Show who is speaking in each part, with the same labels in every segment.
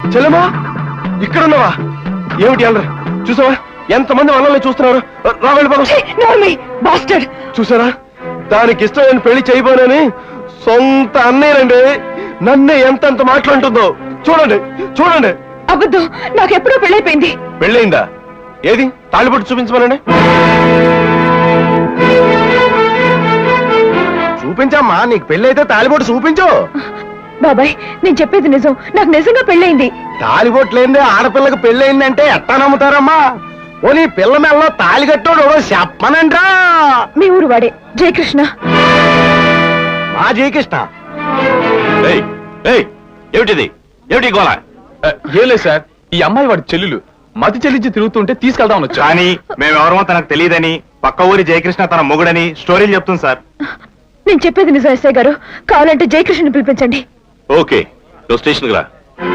Speaker 1: చెల్లెమా ఇక్కడున్నావా? ఏమిటి అల్లరి? చూసావా ఎంతమంది వాళ్ళని చూస్తున్నారు? రా వెళ్ళిపోదాం. చూసారా, దానికి ఇష్టమైన పెళ్లి చేయబోనని సొంత అన్నయ్యనండి నన్నే ఎంత మాట్లాడుతుందో. చూడండి చూడండి.
Speaker 2: అబద్ధం, నాకెప్పుడో పెళ్ళైపోయింది.
Speaker 1: పెళ్ళయిందా? ఏది తాళిబొట్టు చూపించమనండి. చూపించమ్మా, నీకు పెళ్ళైతే తాళిబొట్టు చూపించు.
Speaker 2: బాబాయ్, నేను చెప్పేది నిజం, నాకు నిజంగా పెళ్ళైంది.
Speaker 1: తాళిబొట్టు లేదే ఆడపిల్లకి పెళ్ళయిందంటే ఎట్టా నమ్ముతారమ్మా? ఓ నీ పిల్ల మెల్లో తాళి కట్టోడు చెప్పనంట్రా.
Speaker 2: మీ ఊరు వాడే జయకృష్ణ.
Speaker 1: మా జయకృష్ణ?
Speaker 3: ఏమిటిది? ఏమిటి గోళ?
Speaker 4: ఏం లేదు సార్, ఈ అమ్మాయి వాడి చెల్లెలు మతి చెల్లించి తిరుగుతుంటే తీసుకెళ్దామని వచ్చా.
Speaker 3: కానీ మేమెవరమో తనకు తెలియదని, పక్క ఊరి జయకృష్ణ తన మొగుడని స్టోరీలు చెప్తుంది సార్.
Speaker 2: నేను చెప్పేది నిజం ఎస్ఐ గారు, కావాలంటే జయకృష్ణని పిలిపించండి.
Speaker 3: ఓకే, నువ్వు స్టేషన్కి రా.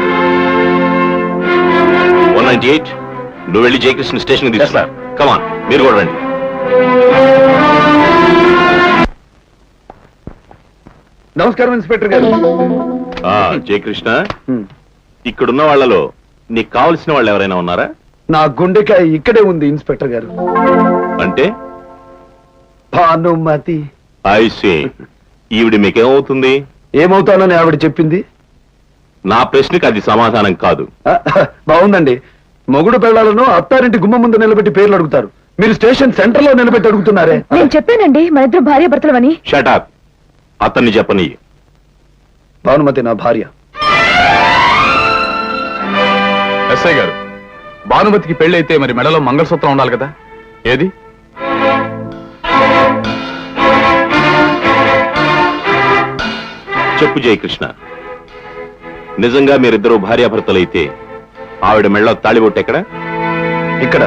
Speaker 3: 198 నువ్వు వెళ్ళి జయకృష్ణ స్టేషన్ కి తీసుకురా. కమాన్, మీరు కూడా రండి.
Speaker 1: నమస్కారం ఇన్స్పెక్టర్ గారు.
Speaker 3: జయకృష్ణ, ఇక్కడున్న వాళ్ళలో నీకు కావలసిన వాళ్ళు ఎవరైనా ఉన్నారా?
Speaker 1: నా గుండెకాయ ఇక్కడే ఉంది ఇన్స్పెక్టర్ గారు.
Speaker 3: అంటే
Speaker 1: భానుమతి.
Speaker 3: ఐసీ. ఈవిడ మీకేమవుతుంది?
Speaker 1: ఏమవుతానని ఆవిడ చెప్పింది.
Speaker 3: నా ప్రశ్నకి అది సమాధానం కాదు.
Speaker 1: బాగుందండి. మొగుడు పెళ్లాలను అత్తారింటి గుమ్మ ముందు నిలబెట్టి పేర్లు అడుగుతారు, మీరు స్టేషన్ సెంటర్ లో నిలబెట్టి అడుగుతున్నారే.
Speaker 2: నేను చెప్పానండి మన ఇద్దరు భార్య భర్తలమని.
Speaker 3: షటప్, అతన్ని చెప్పని.
Speaker 1: భానుమతి నా భార్య.
Speaker 4: ఎస్ఐ గారు, భానుమతికి పెళ్ళైతే మరి మెడలో మంగళసూత్రం ఉండాలి కదా, ఏది?
Speaker 3: చెప్పు జయకృష్ణ, నిజంగా మీరిద్దరూ భార్యాభర్తలైతే ఆవిడ మెడలో తాళిబొట్టు ఎక్కడ?
Speaker 1: ఇక్కడ.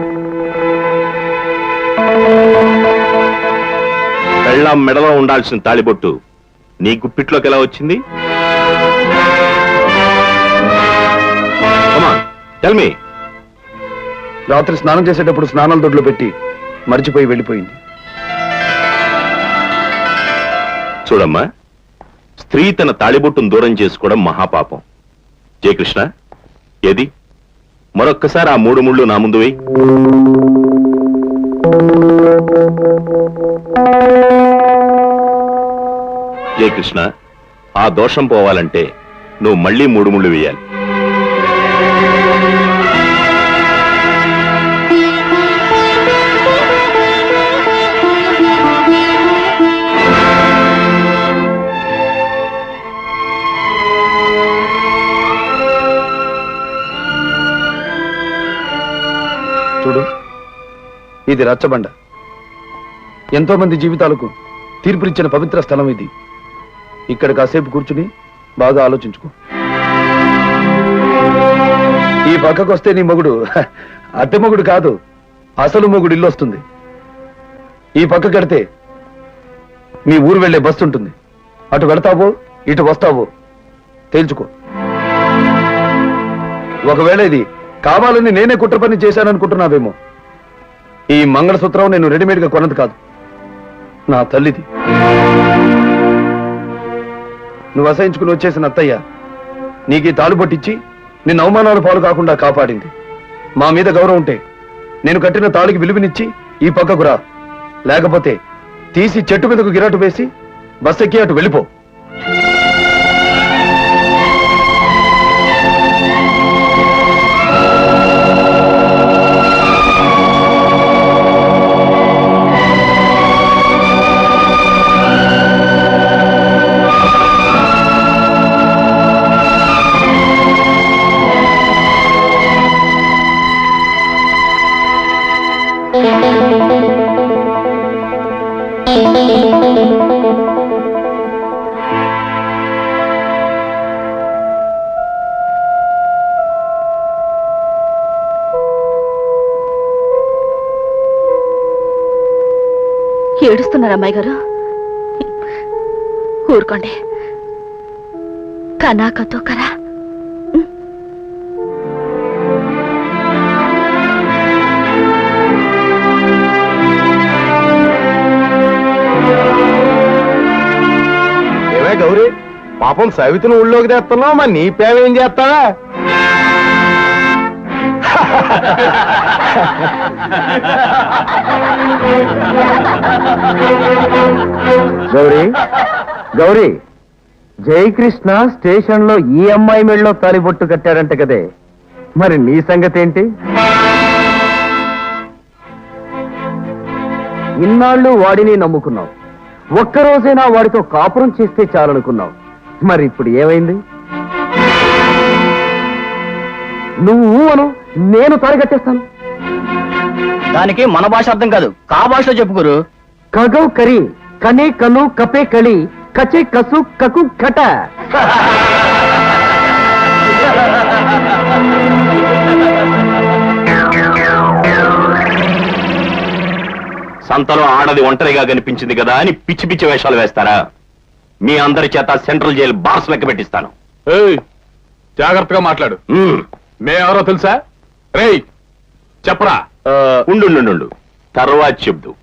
Speaker 3: పెళ్ళాం మెడలో ఉండాల్సిన తాళిబొట్టు నీ గుప్పిట్లోకి ఎలా వచ్చింది? Tell me.
Speaker 1: రాత్రి స్నానం చేసేటప్పుడు స్నానాల దొడ్లో పెట్టి మర్చిపోయి వెళ్ళిపోయింది.
Speaker 3: చూడమ్మా, స్త్రీ తన తాళిబొట్టును దూరం చేసుకోవడం మహాపాపం. జయకృష్ణ, ఏది మరొక్కసారి ఆ 3 ముళ్ళు నా ముందు వేయి. జయకృష్ణ, ఆ దోషం పోవాలంటే నువ్వు మళ్ళీ 3 ముళ్ళు వేయాలి.
Speaker 1: చూడు, ఇది రచ్చబండ. ఎంతో మంది జీవితాలకు తీర్పునిచ్చిన పవిత్ర స్థలం ఇది. ఇక్కడ కాసేపు కూర్చుని బాగా ఆలోచించుకో. ఈ పక్కకు వస్తే నీ మొగుడు అద్దె మొగుడు కాదు, అసలు మొగుడు ఇల్లు వస్తుంది. ఈ పక్క కడితే మీ ఊరు వెళ్లే బస్సు ఉంటుంది. అటు వెళతావో ఇటు వస్తావో తేల్చుకో. ఒకవేళ ఇది కావాలని నేనే కుట్ర పని చేశాననుకుంటున్నావేమో. ఈ మంగళసూత్రం నేను రెడీమేడ్ గా కొన్నది కాదు, నా తల్లిది. నువ్వు అసహించుకుని వచ్చేసిన అత్తయ్య నీకు ఈ తాళిబొట్టిచ్చి నిన్ను అవమానాల పాలు కాకుండా కాపాడింది. మా మీద గౌరవం ఉంటే నేను కట్టిన తాళికి విలువనిచ్చి ఈ పక్కకు రా, లేకపోతే తీసి చెట్టు మీదకు గిరాటు వేసి బస్ ఎక్కి అటు వెళ్ళిపో.
Speaker 2: ఏడుస్తున్నారు అమ్మాయి గారు? ఊరుకోండి. కనాకతో కరా.
Speaker 1: ఏమే గౌరీ, పాపం సవితిని ఊళ్ళోకి తెస్తున్నావు, మరి నీ పేవేం చేస్తావా?
Speaker 5: గౌరీ గౌరీ జయకృష్ణ స్టేషన్ లో ఈ అమ్మాయి మెళ్ళలో తాలిబొట్టు కట్టాడంట కదే, మరి నీ సంగతి ఏంటి? ఇన్నాళ్ళు వాడిని నమ్ముకున్నావు, ఒక్కరోజైనా వాడితో కాపురం చేస్తే చాలనుకున్నావు, మరి ఇప్పుడు ఏమైంది? నువ్వు అను, నేను తాళి కట్టేస్తాను.
Speaker 6: దానికి మన భాష అర్థం కాదు, కా భాషలో చెప్పుకోరు.
Speaker 5: కగౌ కరి కనే కను కపే కళి కచే కసు కకు కట.
Speaker 3: సంతలో ఆడది ఒంటరిగా కనిపించింది కదా అని పిచ్చి పిచ్చి వేషాలు వేస్తారా? మీ అందరి చేత సెంట్రల్ జైలు బార్స్ లెక్క పెట్టిస్తాను.
Speaker 4: ఏయ్, జాగ్రత్తగా మాట్లాడు. మేమెవరో తెలుసా? రేయ్ చెప్పరా.
Speaker 3: ఉండు తర్వాత చెప్దు.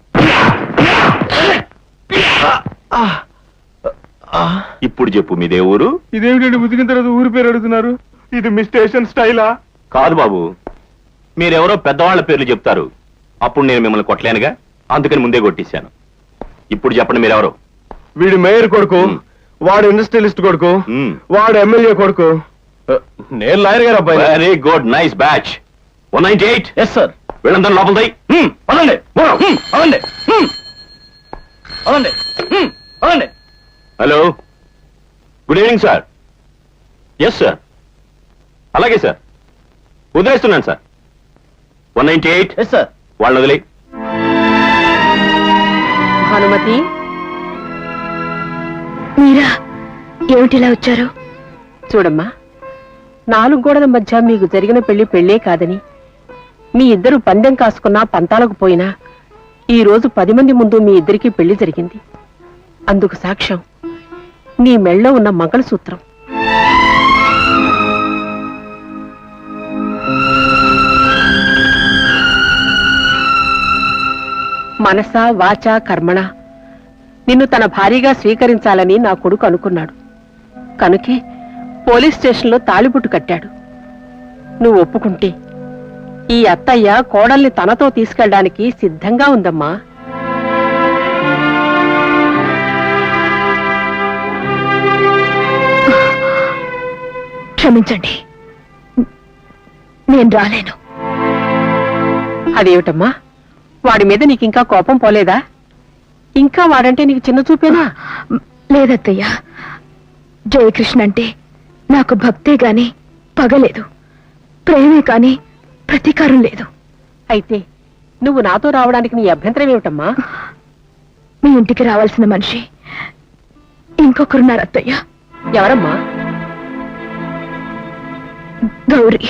Speaker 3: ఇప్పుడు చెప్పు, మీదే ఊరు?
Speaker 1: ఇదేమిటండి ఉతికిన తర్వాత ఊరి పేరు అడుగుతున్నారు? ఇది మీ స్టేషన్ స్టైలా?
Speaker 3: కాదు బాబు, మీరెవరో పెద్దవాళ్ల పేర్లు చెప్తారు, అప్పుడు నేను మిమ్మల్ని కొట్టలేనుగా, అందుకని ముందే కొట్టేశాను. ఇప్పుడు చెప్పండి మీరెవరు?
Speaker 1: వీడు మేయర్ కొడుకు, వాడు ఇండస్ట్రియలిస్ట్ కొడుకు, వాడు ఎమ్మెల్యే కొడుకు, నేను లాయర్ గారు అబ్బాయి.
Speaker 3: Very good, nice batch. 198.
Speaker 6: Yes sir.
Speaker 3: వీళ్ళందరూ లోపల దై.
Speaker 6: పదండి పదండి పదండి పదండి.
Speaker 3: Hello, good evening sir. Yes sir, అలాగే సార్, వదిలేస్తున్నాను సార్. 198.
Speaker 6: Yes sir.
Speaker 3: వాళ్ళని వదిలే.
Speaker 2: భానుమతి, మీరా ఏమిటిలా వచ్చారు?
Speaker 7: చూడమ్మా, 4 గోడల మధ్య మీకు జరిగిన పెళ్లే కాదని, మీ ఇద్దరు పందెం కాసుకున్నా పంతాలకు పోయినా ఈ రోజు 10 మంది ముందు మీ ఇద్దరికీ పెళ్లి జరిగింది. అందుకు సాక్ష్యం నీ మెళ్ళో ఉన్న మంగళసూత్రం. మనస వాచ కర్మణ నిన్ను తన భార్యగా స్వీకరించాలని నా కొడుకు అనుకున్నాడు. కనుకే పోలీస్ స్టేషన్లో తాళిబొట్టు కట్టాడు. నువ్వు ఒప్పుకుంటే ఈ అత్తయ్య కోడల్ని తనతో తీసుకెళ్ళడానికి సిద్ధంగా ఉందమ్మా.
Speaker 2: క్షమించండి, నేను రాలేను.
Speaker 7: అదేమిటమ్మా, వాడి మీద నీకింకా కోపం పోలేదా? ఇంకా వాడంటే నీకు చిన్న చూపేనా?
Speaker 2: లేదత్తయ్యా, జయకృష్ణ అంటే నాకు భక్తే గాని పగలేదు, ప్రేమే కాని ప్రతీకారం లేదు.
Speaker 7: అయితే నువ్వు నాతో రావడానికి నీ అభ్యంతరం ఏమిటమ్మా?
Speaker 2: మీ ఇంటికి రావాల్సిన మనిషి ఇంకొకరున్నారు అత్తయ్య.
Speaker 7: ఎవరమ్మా?
Speaker 2: గౌరీ.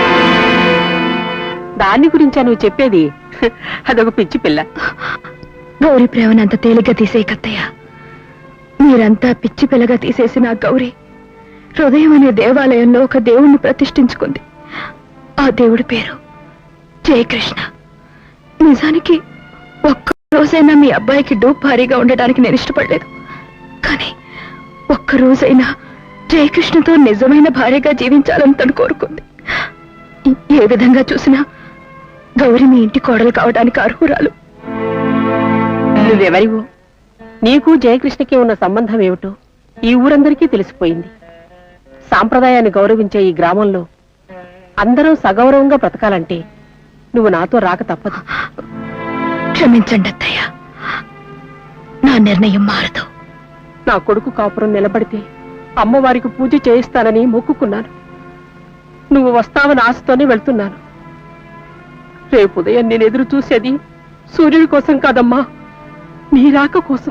Speaker 7: దాన్ని గురించా నువ్వు చెప్పేది? అదొక పిచ్చి పిల్ల.
Speaker 2: గౌరీ ప్రేమను అంత తేలిగ్గా తీసేయకత్తయ్య. మీరంతా పిచ్చి పిల్లగా తీసేసిన ఆ గౌరీ హృదయం అనే దేవాలయంలో ఒక దేవుణ్ణి ప్రతిష్ఠించుకుంది. ఆ దేవుడి పేరు జయకృష్ణ. నిజానికి ఒక్క రోజైనా మీ అబ్బాయికి డూప్ భారీగా ఉండడానికి నేను ఇష్టపడలేదు, కానీ ఒక్క రోజైనా జయకృష్ణతో నిజమైన భార్యగా జీవించాలని తను కోరుకుంది. ఏ విధంగా చూసినా గౌరీ మీ ఇంటి కోడలు కావడానికి అర్హురాలు.
Speaker 7: నువ్వెవరివో, నీకు జయకృష్ణకి ఉన్న సంబంధం ఏమిటో ఈ ఊరందరికీ తెలిసిపోయింది. సాంప్రదాయాన్ని గౌరవించే ఈ గ్రామంలో అందరూ సగౌరవంగా బ్రతకాలంటే నువ్వు నాతో రాక తప్పదు.
Speaker 2: క్షమించండి అత్తయ్య, నా నిర్ణయం మారదు.
Speaker 7: నా కొడుకు కాపురం నిలబడితే అమ్మవారికి పూజ చేయిస్తానని మొక్కుకున్నాను. నువ్వు వస్తావని ఆశతోనే వెళ్తున్నాను. రేపు ఉదయం నేను ఎదురు చూసేది సూర్యుడి కోసం కాదమ్మా, నీ రాక కోసం.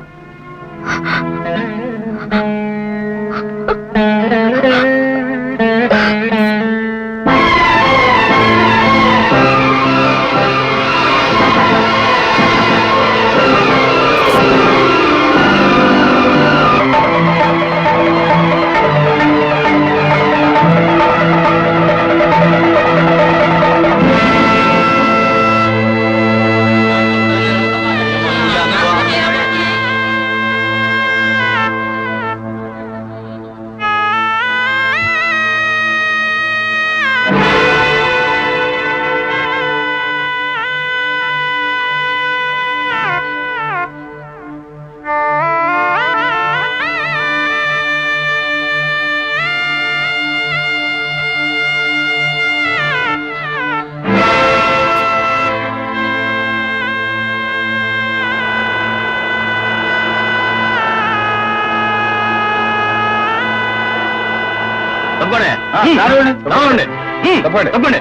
Speaker 4: రావండి. తప్పండి తప్పండి.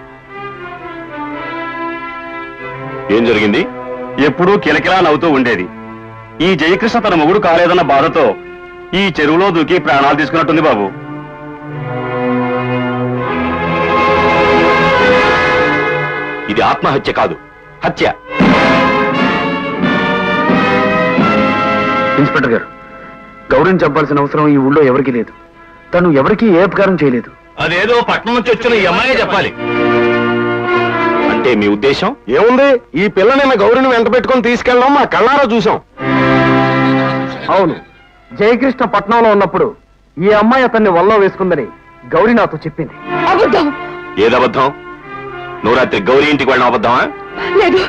Speaker 3: ఏం జరిగింది?
Speaker 8: ఎప్పుడూ కిలకిలా నవ్వుతూ ఉండేది. ఈ జయకృష్ణ తన మొగుడు కాలేదన్న బాధతో ఈ చెరువులో దూకి ప్రాణాలు తీసుకున్నట్టుంది బాబు.
Speaker 3: ఇది ఆత్మహత్య కాదు, హత్య.
Speaker 1: ఇన్స్పెక్టర్ గారు, గౌరీని చంపాల్సిన అవసరం ఈ ఊళ్ళో ఎవరికీ లేదు. తను ఎవరికీ ఏ ఉపకారం చేయలేదు.
Speaker 3: అదేదో పట్నం నుంచి వచ్చిన ఈ అమ్మాయే చెప్పాలి. అంటే మీ ఉద్దేశం?
Speaker 8: ఏముంది, ఈ పిల్ల నిన్న గౌరిని వెంట పెట్టుకుని తీసుకెళ్ళడం మా కళ్ళారా చూసాం.
Speaker 5: అవును, జయకృష్ణ పట్నంలో ఉన్నప్పుడు ఈ అమ్మాయి అతన్ని వల్లో వేసుకుందని గౌరీ నాతో చెప్పింది.
Speaker 2: అబద్ధం.
Speaker 3: ఏదబద్ధం? నువ్వు రాత్రి గౌరీ ఇంటికి వెళ్ళిన అబద్ధమా?
Speaker 2: లేదు,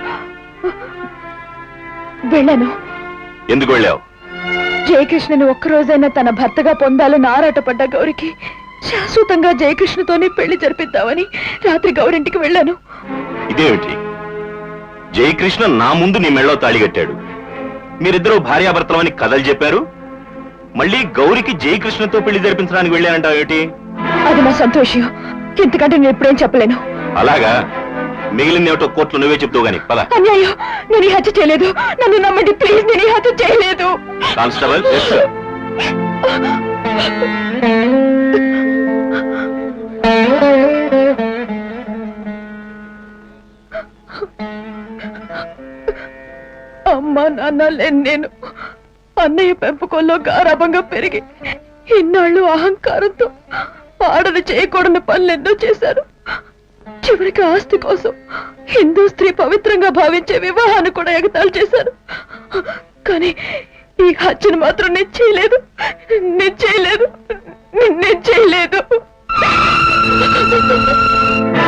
Speaker 2: వెళ్ళాను.
Speaker 3: ఎందుకు వెళ్ళావు?
Speaker 2: జయకృష్ణని ఒక్కరోజైనా తన భర్తగా పొందాలని ఆరాటపడ్డ గౌరికి శాశ్వతంగా జయకృష్ణతోనే పెళ్లి జరిపిద్దామని రాత్రి గౌరింటికి వెళ్ళాను.
Speaker 3: ఇదేమిటి? జయకృష్ణ నా ముందు నీ మెళ్ళో తాళి కట్టాడు, మీరిద్దరూ భార్యాభర్తలమని కథలు చెప్పారు. మళ్ళీ గౌరికి జయకృష్ణతో పెళ్లి జరిపించడానికి వెళ్ళానంటావు ఏమిటి?
Speaker 2: అది నా సంతోషం. ఇంతకంటే నేను ఎప్పుడేం చెప్పలేను.
Speaker 3: అలాగా? మిగిలిన ఏమిటో కోర్టులో నువ్వే చెప్తావు గాని పద.
Speaker 2: అన్యాయం, నేను ఈ హత్య చేయలేదు. నన్ను నమ్మండి ప్లీజ్, నేను ఈ హత్య చేయలేదు.
Speaker 3: కానిస్టేబుల్,
Speaker 2: అమ్మా నాన్న లేని నేను అన్నయ్య పెంపకంలో గారాభంగా పెరిగి ఇన్నాళ్ళు అహంకారంతో ఆడది చేయకూడని పనులెన్నో చేశారు. చివరికి ఆస్తి కోసం హిందూ స్త్రీ పవిత్రంగా భావించే వివాహాన్ని కూడా ఎగతాళి చేశారు. కానీ ఈ హత్యను మాత్రం నేను చేయలేదు. నేను చేయలేదు.